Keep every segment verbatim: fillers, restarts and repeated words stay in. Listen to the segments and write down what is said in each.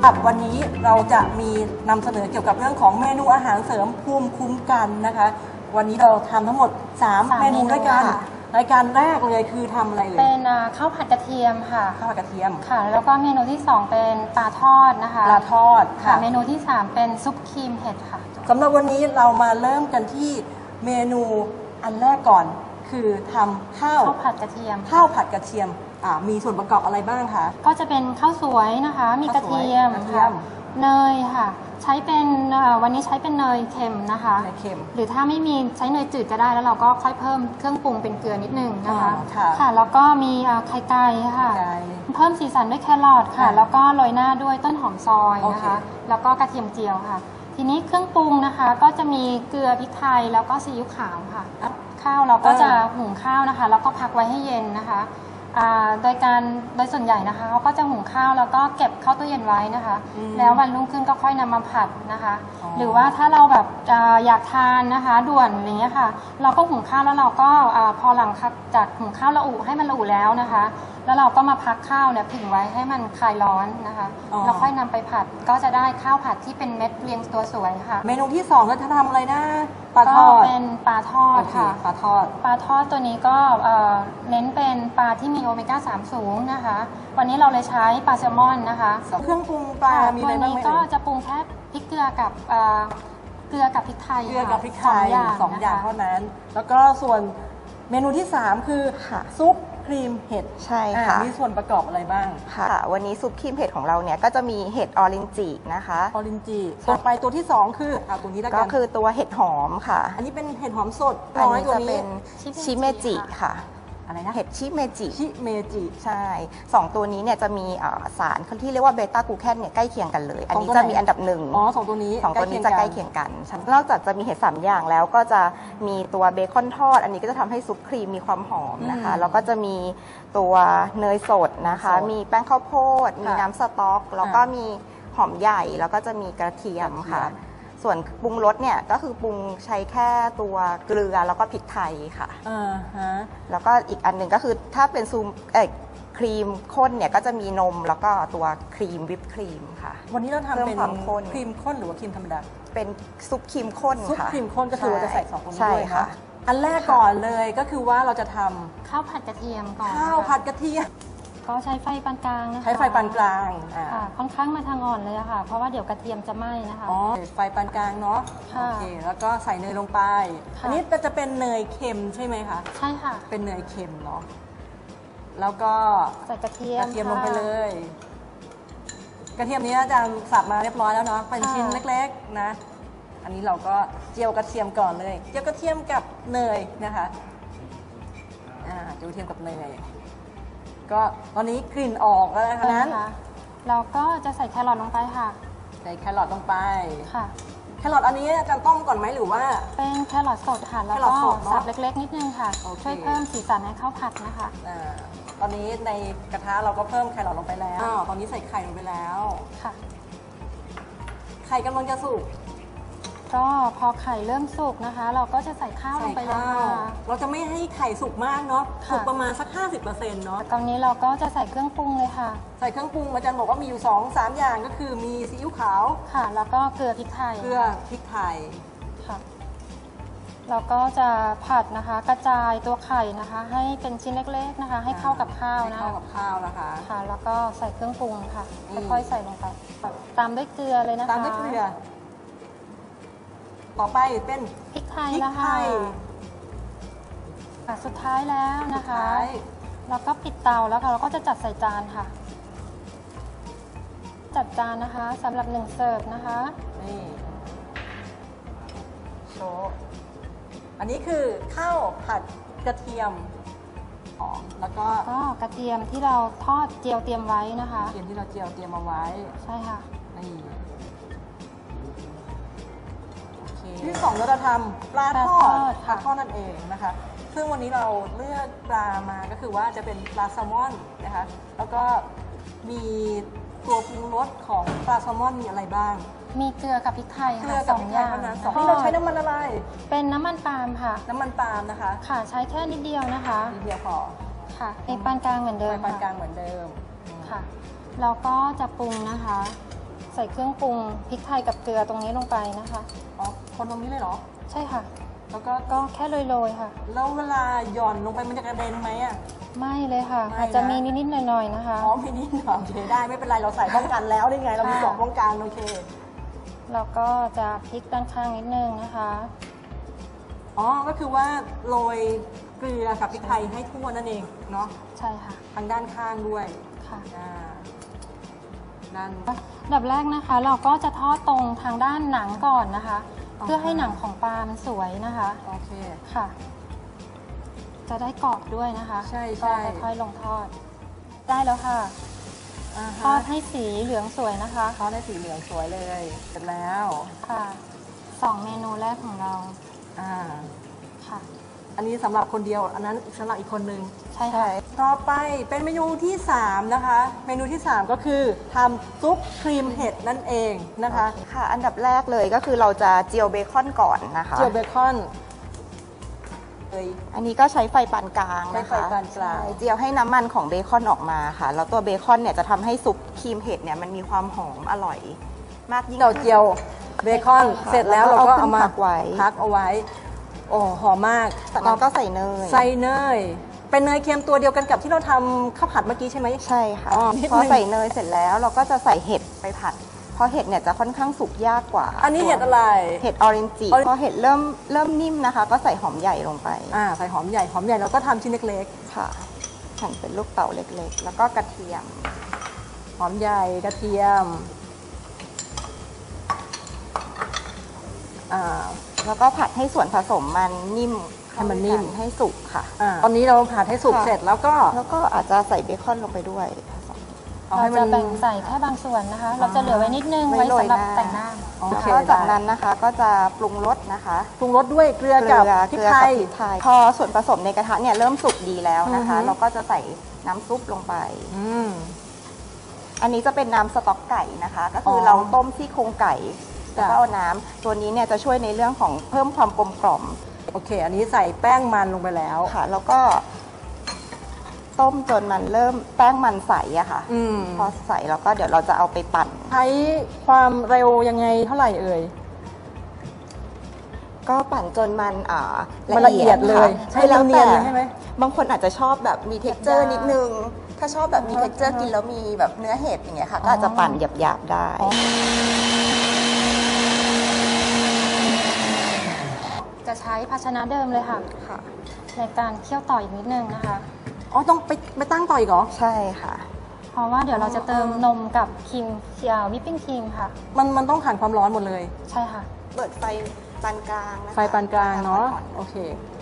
รับวันนี้เราจะมีนำเสนอเกี่ยวกับเรื่องของเมนูอาหารเสริมภูมิคุ้มกันนะคะวันนี้เราทำทั้งหมดสามเมนูด้วยกันรายการแรกเลยคือทำอะไรเลยเป็นข้าวผัดกระเทียมค่ะข้าวผัดกระเทียมค่ะแล้วก็เมนูที่สองเป็นปลาทอดนะคะปลาทอดค่ะเมนูที่สามเป็นซุปครีมเห็ดค่ะสำหรับวันนี้เรามาเริ่มกันที่เมนูอันแรกก่อนคือทำข้าวข้าวผัดกระเทียมข้าวผัดกระเทียมมีส่วนประกอบอะไรบ้างคะก็จะเป็นข้าวสวยนะคะมีกระเทียมค่ะเนยค่ะใช้เป็นวันนี้ใช้เป็นเนยเค็มนะคะเนยเค็มหรือถ้าไม่มีใช้เนยจืดก็ได้แล้วเราก็ค่อยเพิ่มเครื่องปรุงเป็นเกลือนิดนึงนะคะค่ะแล้วก็มีไข่ไก่ค่ะเพิ่มสีสันด้วยแครอทค่ะแล้วก็โรยหน้าด้วยต้นหอมซอยนะคะแล้วก็กระเทียมเจียวค่ะทีนี้เครื่องปรุงนะคะก็จะมีเกลือพริกไทยแล้วก็ซีอิ๊วขาวค่ะข้าวเราก็จะหุงข้าวนะคะแล้วก็พักไว้ให้เย็นนะคะโดยการโดยส่วนใหญ่นะคะเขาก็จะหุงข้าวแล้วก็เก็บเข้าตู้เย็นไว้นะคะแล้ววันรุ่งขึ้นก็ค่อยนำมาผัดนะคะหรือว่าถ้าเราแบบอยากทานนะคะด่วนอย่างเงี้ยค่ะเราก็หุงข้าวแล้วเราก็พอหลังจากหุงข้าวละอุให้มันละอุแล้วนะคะแล้วเราก็มาพักข้าวเนี่ยผึ่งไว้ให้มันคลายร้อนนะคะแล้วค่อยนำไปผัดก็จะได้ข้าวผัดที่เป็นเม็ดเรียงตัวสวยค่ะเมนูที่สองก็จะทำอะไรนะปลาทอดเป็นปลาทอดค่ะปลาทอดปลาทอดตัวนี้ก็เน้นเป็นปลาที่มีโอเมก้าสามสูงนะคะวันนี้เราเลยใช้ปลาแซลมอนนะคะเครื่องปรุงปลามีอะไรบ้างไหมตัวนี้ก็จะปรุงแค่พริกเกลือกับเกลือกับพริกไทยเกลือกับพริกไทยสองอย่างเท่านั้นแล้วก็ส่วนเมนูที่สามคือซุปครีมเห็ดใช่ค่ะมีส่วนประกอบอะไรบ้างค่ะวันนี้ซุปครีมเห็ดของเราเนี่ยก็จะมีเห็ดออรินจินะคะออรินจิต่อไปตัวที่สองคือเอาตัวนี้แล้วกันก็คือตัวเห็ดหอมค่ะอันนี้เป็นเห็ดหอมสดอันนี้จะเป็นชิเมจิค่ะอะไรนะเห็ดชิเมจิชิเมจิใช่สองตัวนี้เนี่ยจะมีสารที่เรียกว่าเบต้ากลูแคนเนี่ยใกล้เคียงกันเลยอันนี้จะมีอันดับหนึ่งอ๋อสองตัวนี้สองตัวนี้จะใกล้เคียงกันนอกจากจะมีเห็ดสามอย่างแล้วก็จะมีตัวเบคอนทอดอันนี้ก็จะทำให้ซุปครีมมีความหอมนะคะแล้วก็จะมีตัวเนยสดนะคะมีแป้งข้าวโพดมีน้ำสต๊อกแล้วก็มีหอมใหญ่แล้วก็จะมีกระเทียมค่ะส่วนปรุงรสเนี่ยก็คือปรุงใช้แค่ตัวเกลือแล้วก็พริกไทยค่ะอ่าฮะแล้วก็อีกอันหนึ่งก็คือถ้าเป็นซูมเอ่อครีมข้นเนี่ยก็จะมีนมแล้วก็ตัวครีมวิปครีมค่ะวันนี้เราทำเป็นครีมข้นหรือว่าครีมธรรมดาเป็นซุปครีมข้นค่ะซุปครีมข้นก็คือเราจะใส่สองคนนี้ด้วยค่ะอันแรกก่อนเลยก็คือว่าเราจะทำข้าวผัดกระเทียมก่อนข้าวผัดกระเทียมก็ใช้ไฟปานกลางนะคะใช้ไฟปานกลางค่ะค่อนข้างมาทางอ่อนเลยค่ะเพราะว่าเดี๋ยวกระเทียมจะไหม้นะคะอ๋อไฟปานกลางเนาะโอเคแล้วก็ใส่เนยลงไปอันนี้จะเป็นเนยเค็มใช่ไหมคะใช่ค่ะเป็นเนยเค็มเนาะแล้วก็ใส่กระเทียมกระเทียมลงไปเลยกระเทียมนี้อาจารย์สับมาเรียบร้อยแล้วเนาะเป็นชิ้นเล็กๆนะอันนี้เราก็เจียวกระเทียมก่อนเลยเจียวกระเทียมกับเนยนะคะอ่าเจียวกระเทียมกับเนยก็ตอนนี้กลิ่นออกแล้วนะคะนั้นเราก็จะใส่แครอทลงไปค่ะใส่แครอทลงไปค่ะแครอทอันนี้จะต้มก่อนไหมหรือว่าเป็นแครอทสดค่ะแล้วก็สับเล็กๆนิดนึงค่ะช่วยเพิ่มสีสันให้ข้าวผัดนะคะตอนนี้ในกระทะเราก็เพิ่มแครอทลงไปแล้วตอนนี้ใส่ไข่ลงไปแล้วค่ะไข่กำลังจะสุกก็พอไข่เริ่มสุกนะคะเราก็จะใส่ข้าวลงไปเลยค่ะเราจะไม่ให้ไข่สุกมากเนาะสุกประมาณสัก ห้าสิบเปอร์เซ็นต์ เนาะตอนนี้เราก็จะใส่เครื่องปรุงเลยค่ะใส่เครื่องปรุงอาจารย์บอกว่ามีอยู่ สองสาม อย่างก็คือมีซีอิ๊วขาวค่ะแล้วก็เกลือพริกไทยเกลือพริกไทยค่ะเราก็จะผัดนะคะกระจายตัวไข่นะคะให้เป็นชิ้นเล็กๆนะคะให้เข้ากับข้าวนะเข้ากับข้าวนะคะค่ะแล้วก็ใส่เครื่องปรุงค่ะค่อยๆใส่ลงไปตามด้วยเกลือเลยนะคะตามด้วยเกลือต่อไปเป็นพริกไทยนะคะสุดท้ายแล้วนะคะแล้วก็ปิดเตาแล้วค่ะเราก็จะจัดใส่จานค่ะจัดจานนะคะสำหรับหนึ่งเสิร์ฟนะคะนี่โชว์อันนี้คือข้าวผัดกระเทียมหอมแล้วก็ก็กระเทียมที่เราทอดเจียวเตรียมไว้นะคะกระเทียมที่เราเจียวเตรียมเอาไว้ใช่ค่ะนี่ที่สองเราจะทำปลาทอดปลาทอดนั่นเองนะคะซึ่งวันนี้เราเลือกปลามาก็คือว่าจะเป็นปลาแซลมอนนะคะแล้วก็มีตัวปรุงรสของปลาแซลมอนมีอะไรบ้างมีเกลือกับพริกไทยค่ะสองอย่างสองนี่เราใช้น้ำมันอะไรเป็นน้ำมันปาล์มค่ะน้ำมันปาล์มนะคะค่ะใช้แค่นิดเดียวนะคะนิดเดียวพอค่ะในปานกลางเหมือนเดิมปานกลางเหมือนเดิมค่ะเราก็จะปรุงนะคะใส่เครื่องปรุงพริกไทยกับเกลือตรงนี้ลงไปนะคะอ๋อคนตรงนี้เลยเหรอใช่ค่ะแล้วก็ก็แค่โรยๆค่ะแล้วเวลาหย่อนลงไปมันจะกระเด็นไหมอ่ะไม่เลยค่ะไม่นะอาจจะมีนิดๆหน่อยๆนะคะอ๋อไม่นิดหน่อยโอเคได้ไม่เป็นไรเราใส่ป้องกันแล้วนี่ไงเรามีกล่องป้องกันโอเคแล้วก็จะพลิกด้านข้างนิดนึงนะคะอ๋อก็คือว่าโรยเกลือกับพริกไทยให้ทั่วนั่นเองเนาะใช่ค่ะทางด้านข้างด้วยค่ะอ่าด้านอันดับแรกนะคะ เราก็จะทอดตรงทางด้านหนังก่อนนะคะอ๋อเพื่อให้หนังของปลามันสวยนะคะโอเคค่ะ จะได้กรอบด้วยนะคะใช่ก็ใช่ค่อยๆลงทอด ได้แล้วค่ะอ่าทอฮะดให้สีเหลืองสวยนะคะทอดได้สีเหลืองสวยเลยเสร็จแล้วค่ะสองเมนูแรกของเราอ่าค่ะอันนี้สำหรับคนเดียวอันนั้นสำหรับอีกคนนึงใช่ค่ะต่อไปเป็นเมนูที่สามนะคะ เมนูที่สามก็คือทำซุปครีมเห็ดนั่นเองนะคะค่ะ อันดับแรกเลยก็คือเราจะเจียวเบคอนก่อนนะคะเจียวเบคอนเลยอันนี้ก็ใช้ไฟปานกลางนะคะใช้ไฟปานกลางใช่เจียวให้น้ำมันของเบคอนออกมาค่ะ แล้วตัวเบคอนเนี่ยจะทำให้ซุปครีมเห็ดเนี่ยมันมีความหอมอร่อยมากยิ่งเราขึ้นเจียวเบคอนค่ะเสร็จแล้วแล้เราวก็ก็เอาเอามาขึ้นพักไว้พักเอาไว้ โอ้หอมมากจากนั้นก็ใส่เนยใส่เนย เป็นเนยเค็มตัวเดียวกันกับที่เราทำข้าวผัดเมื่อกี้ใช่ไหมใช่ค่ะอ๋อนิดนึงพอใส่เนยเสร็จแล้วเราก็จะใส่เห็ดไปผัด เพราะเห็ดเนี่ยจะค่อนข้างสุกยากกว่าอันนี้เห็ดอะไรเห็ดออเรนจิ Orange พอเห็ดเริ่มเริ่มนิ่มนะคะ ก็ใส่หอมใหญ่ลงไปอ่าใส่หอมใหญ่หอมใหญ่เราก็ทำชิ้นเล็กค่ะหั่นเป็นลูกเต๋าเล็กๆ แล้วก็กระเทียมๆ หอมใหญ่กระเทียมอ่าแล้วก็ผัดให้ส่วนผสมมันนิ่มให้มันนิ่มเข้ากัให้สุกค่ะอ่าตอนนี้เราผัดให้สุกค่ะเสร็จแล้วก็แล้วก็อาจจะใส่เบคอนลงไปด้วยเอาเราให้มัจะนแบ่งใส่แค่บางส่วนนะคะ เราจะเหลือไว้นิดนึงไว้ไว้โรยสำหรับหน้าแต่งหน้าโอเคแล้วจากได้นั้นนะคะก็จะปรุงรสนะคะปรุงรสด้วยเกลือกับพริกไทยเกลือกับพริกไทย พอส่วนผสมในกระทะเนี่ยเริ่มสุกดีแล้วนะคะอือฮึเราก็จะใส่น้ำซุปลงไปอืมอันนี้จะเป็นน้ำสต๊อกไก่นะคะ ก็คือออเราต้มซี่โครงไก่ แล้วก็จ้ะเอาน้ำตัวนี้เนี่ยจะช่วยในเรื่องของเพิ่มความกลมกล่อมโอเค อันนี้ใส่แป้งมันลงไปแล้วค่ะ แล้วก็ต้มจนมันเริ่มแป้งมันใสอะค่ะอืมพอใสแล้วก็เดี๋ยวเราจะเอาไปปั่นใช้ความเร็วยังไงเท่าไหร่เอ่ยก็ปั่นจนมันอ่ามันละเอียดเลยค่ะใช้เนียนๆเลยใช่ไหมบางคนอาจจะชอบแบบมี texture หยาบๆนิดนึง ถ้าชอบแบบมีอือฮะ texture กินแล้วมีแบบเนื้อเห็ดอย่างเงี้ยค่ะ ก็อาจจะปั่นหยาบๆได้จะใช้ภาชนะเดิมเลยค่ะค่ะในการเคี่ยวต่ออีกนิดนึงนะคะอ๋อ ต้องไปไปตั้งต่ออีกเหรอใช่ค่ะเพราะว่าเดี๋ยวเราจะเติมนมกับครีมวิปปิ้งครีมค่ะมันมันต้องผ่านความร้อนหมดเลยใช่ค่ะเปิดไฟปานกลางนะคะไฟปานกลางเนาะอ่อนโอเค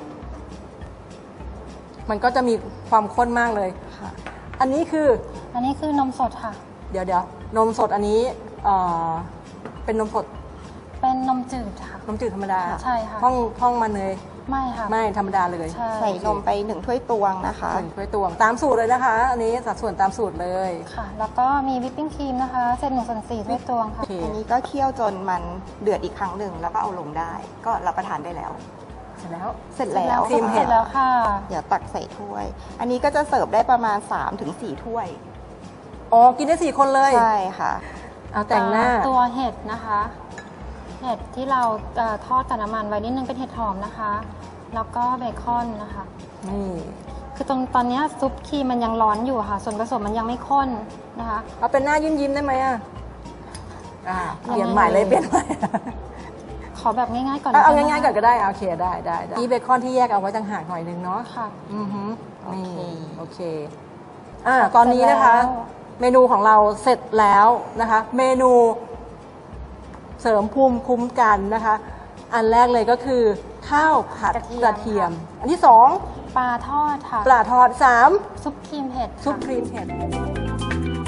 มันก็จะมีความข้นมากเลยๆค่ะอันนี้คืออันนี้คือนมสดค่ะเดี๋ยวเดี๋ยวนมสดอันนี้เอ่อเป็นนมสดเป็นนมจืดค่ะนมจืดธรรมดาใช่ค่ะท่องท่องมาเนยไม่ค่ะไม่ธรรมดาเลยใช่ใส่นมไปหนึ่งถ้วยตวงนะคะหนึ่งถ้วยตวงตามสูตรเลยนะคะ อันนี้สัดส่วนตามสูตรเลยค่ะ แล้วก็มีวิปปิ้งครีมนะคะเศษหนึ่งส่วนสี่ถ้วยตวงโอค่ะเคอันนี้ก็เคี่ยวจนมันเดือดอีกครั้งหนึ่งแล้วก็เอาลงได้ ก็รับประทานได้แล้วเสร็จแล้วเสร็จแล้วครีมเห็ดสร็จแล้วค่ะเดี๋ยวตักใส่ถ้วย อันนี้ก็จะเสิร์ฟได้ประมาณ สามถึงสี่ ถ้วยอ๋อ กินได้สี่คนเลยใช่ค่ะเอาแต่งหน้าตัวเห็ดนะคะ เห็ดที่เราเอ่อทอดกับน้ำมันไว้นิดนึงเป็นเห็ดหอมนะคะ แล้วก็เบคอนนะคะนี่คือตรงตอนเนี้ยซุปครีมมันยังร้อนอยู่ค่ะ ส่วนผสมมันยังไม่ข้นนะคะเอาเป็นหน้ายิ้มยิ้มๆได้ไหมอ่ะอ่าเปลี่ยนยังไงใหม่เลยเปลี่ยนใหม่ขอแบบง่ายๆก่อนเอาเอาได้ไหมง่ายๆก่อนก็ได้อ่ะโอเคได้ได้ได้นี่เบคอนที่แยกเอาไว้ต่างหากหน่อยนึงเนาะค่ะอือฮึโอเคนี่โอเค อ่า ตอนนี้นะคะเสร็จแล้วเมนูของเราเสร็จแล้วนะคะ เมนูเสริมภูมิคุ้มกันนะคะ อันแรกเลยก็คือข้าวผัดกระเทียม อันที่สองปลาทอดค่ะปลาทอดสามซุปครีมเห็ดค่ะซุปครีมเห็ด